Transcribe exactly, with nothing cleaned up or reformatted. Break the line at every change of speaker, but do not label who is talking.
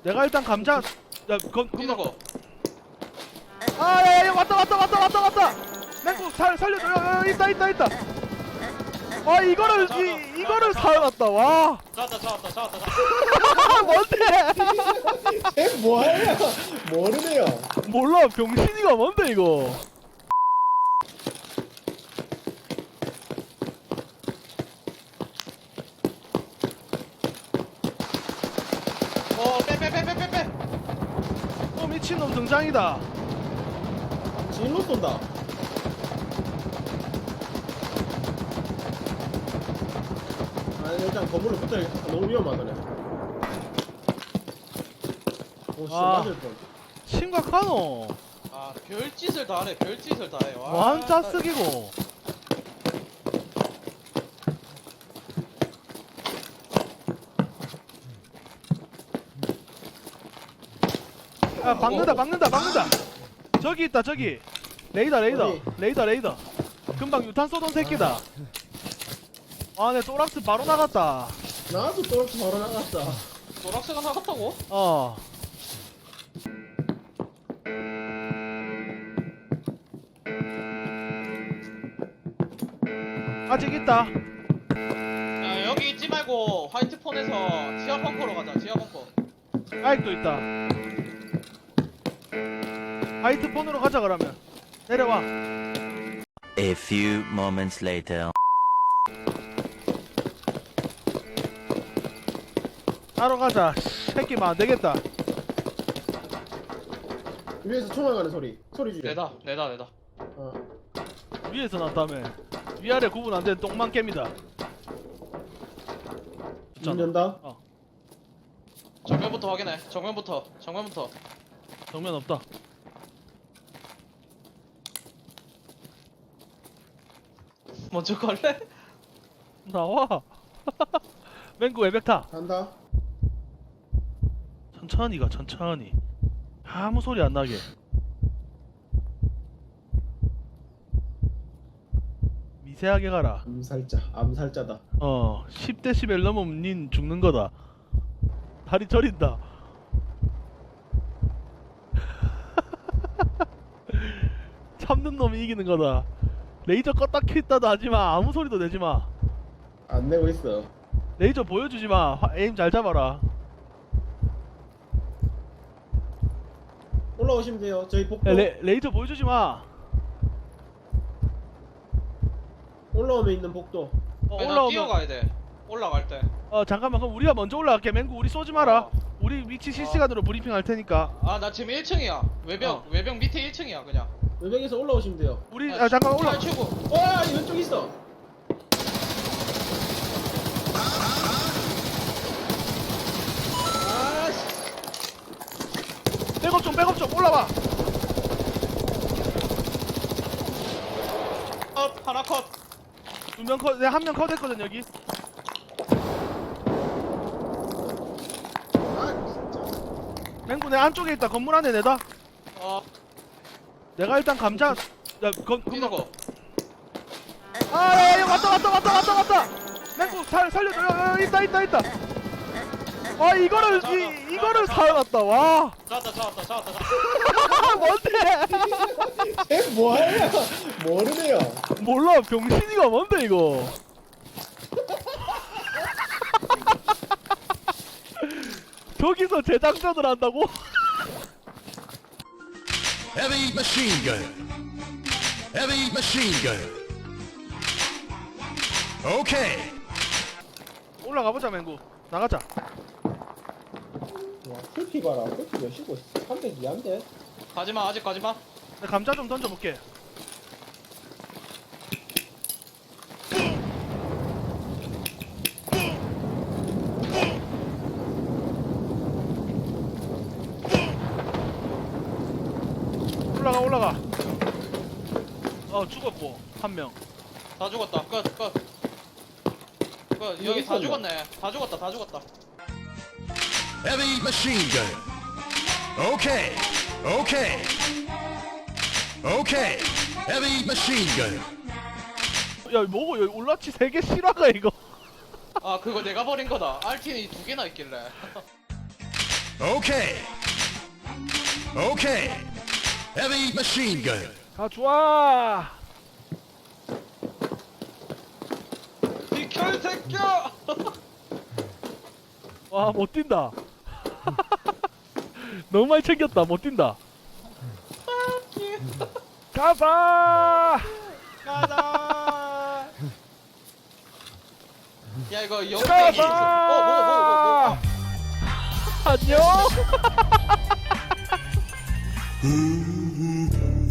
내가 일단 감자. 야, 건,
뛰는 거.
아, 야, 야, 왔다, 왔다, 왔다, 왔다, 왔다. 맹구 살 살려줘. 야, 야, 있다, 있다, 있다. 아, 이거를
잡았다,
이 이거를
잡았다,
살았다. 와.
잡았다 잡았다 잡았다 잡았다.
뭔데?
쟤 뭐하냐? 모르네요.
몰라. 병신이가 뭔데 이거?
어빼빼빼빼빼빼.
어, 미친놈 등장이다.
진로 쏜다. 아 일단 건물로 붙어야겠다. 너무 위험하다네. 오씨
아.
맞을 뻔.
심각하노.
아 별짓을 다 하네. 별짓을 다 해. 와.
완 짜쓰기고. 야, 박는다, 박는다, 박는다. 저기 있다, 저기. 레이더, 레이더,
어디?
레이더, 레이더. 금방 유탄 쏘던 새끼다. 아, 내 또락스 바로 나갔다.
나도 또 바로 나갔다.
노락스가 나갔다고?
어. 아직 있다.
야 여기 있지 말고 화이트 폰에서 지하 벙커로 가자. 지하 벙커.
아직도 있다. 화이트 폰으로 가자 그러면. 내려와.
A few moments later.
따로 가자. 새끼만 안 되겠다.
위에서 총알 가는 소리. 소리 줄여.
내다 내다 내다.
어.
위에서 났다며. 위아래 구분 안 되는 똥만 깹니다.
문 연다.
어.
정면부터 확인해. 정면부터. 정면부터.
정면 없다.
먼저 갈래?
나와. 맹구 외벽 타.
간다.
천천히 가, 천천히. 아무 소리 안 나게. 미세하게 가라.
암살자. 암살자다.
어, 십 데시벨 넘으면 닌 죽는 거다. 다리 저린다. 참는 놈이 이기는 거다. 레이저 껐다 켰다도 하지마. 아무 소리도 내지마.
안 내고 있어.
레이저 보여주지마. 에임 잘 잡아라.
올라오시면 돼요. 저희 복도.
야, 레, 레이저 보여주지마.
올라오면 있는 복도.
어,
아니, 나
올라오면.
뛰어가야 돼. 올라갈 때.
어, 잠깐만. 그럼 우리가 먼저 올라갈게. 맹구 우리 쏘지 마라.
어.
우리 위치 실시간으로 브리핑 할 테니까.
아 나 지금 일 층이야. 외벽
어.
외벽 밑에 일 층이야 그냥.
외벽에서 올라오시면 돼요.
우리, 아, 잠깐 올라.
탈출구.
와 왼쪽 있어. 아씨.
백업 좀, 백업 좀. 올라와.
컷 하나 컷.
두 명 컷, 내 한 명 컷했거든 여기.
아 진짜.
맹구 내 안쪽에 있다. 건물 안에 내다.
어
내가 일단 감자. 야, 건,
뛰는 거.
아, 야, 야, 왔다, 왔다, 왔다, 왔다, 왔다. 맹구 살 살려줘. 야, 야, 있다, 있다, 있다. 아, 이거를 이 이거를 살았다. 와.
잡았다 잡았다 잡았다 잡았다.
뭔데?
쟤 뭐하냐? 모르네요.
몰라. 병신이가 뭔데 이거? 저기서 재장전을 한다고?
Heavy machine gun. Heavy machine gun. Okay.
올라가 보자, 맹구. 나가자.
와 풀피 봐라. 풀피 몇이고 삼백이한데.
가지마 아직 가지마.
내 감자 좀 던져 볼게. 올라가, 올라가. 어, 죽었고 한 명.
다 죽었다. 끝 끝. 끝 여기 다
있었나?
죽었네. 다 죽었다 다 죽었다.
Heavy machine gun. Okay. Okay. Okay. Heavy machine gun.
야, 뭐고 여기 올라치 세 개 실화가 이거.
아 그거 내가 버린 거다. 알틴이 두 개나 있길래.
Okay. Okay. Heavy machine gun.
가 좋아.
비켜 이 새끼야.
와 못 뛴다. 너무 많이 챙겼다. 못 뛴다. 가자.
가자. 야 이거 영땡이.
가자.
어뭐 뭐 뭐 뭐.
안녕.